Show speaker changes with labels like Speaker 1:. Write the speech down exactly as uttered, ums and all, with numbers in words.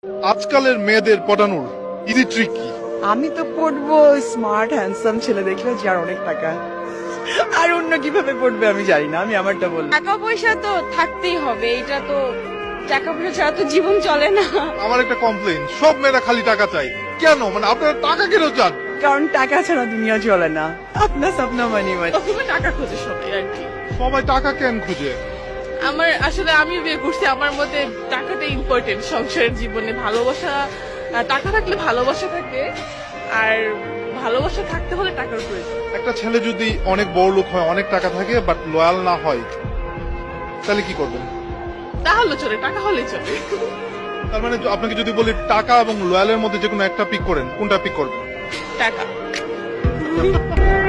Speaker 1: আজকালের মেয়েদের পটানোর easy trick কি?
Speaker 2: আমি তো পড়বো স্মার্ট হ্যান্ডসাম ছেলে দেখলে যার অনেক টাকা। আর অন্য কিভাবে পড়বে আমি জানি না, আমি আমারটা বললাম।
Speaker 3: টাকা পয়সা তো থাকতেই হবে, এটা তো টাকা পয়সা ছাড়া তো জীবন চলে না।
Speaker 1: আমার একটা কমপ্লেন, সব মেয়েরা খালি টাকা চাই কেন? মানে আপনারা টাকা কেন চান?
Speaker 2: কারণ টাকা ছাড়া দুনিয়া চলে না। আপনার স্বপ্ন মানি মানি।
Speaker 3: প্রথমে টাকা খোঁজে সবাই আর কি।
Speaker 1: সবাই টাকা কেন খুঁজে?
Speaker 3: আমার আসলে আমি বিয়ে করছি, আমার মতে টাকাটা ইম্পর্টেন্ট সংসারের জীবনে। ভালোবাসা, আহ, টাকা থাকলে ভালোবাসা থাকে, আর ভালোবাসা থাকতে হলে টাকার প্রয়োজন।
Speaker 1: একটা ছেলে যদি অনেক বড় লোক হয়, অনেক টাকা থাকে বাট লয়াল না হয়, তাহলে কি করবেন?
Speaker 3: তাহলে চলে, টাকা হলে চলে।
Speaker 1: তার মানে আপনাকে যদি বলি টাকা এবং লয়ালের মধ্যে যে কোনো একটা পিক করেন, কোনটা পিক করবেন?
Speaker 3: টাকা।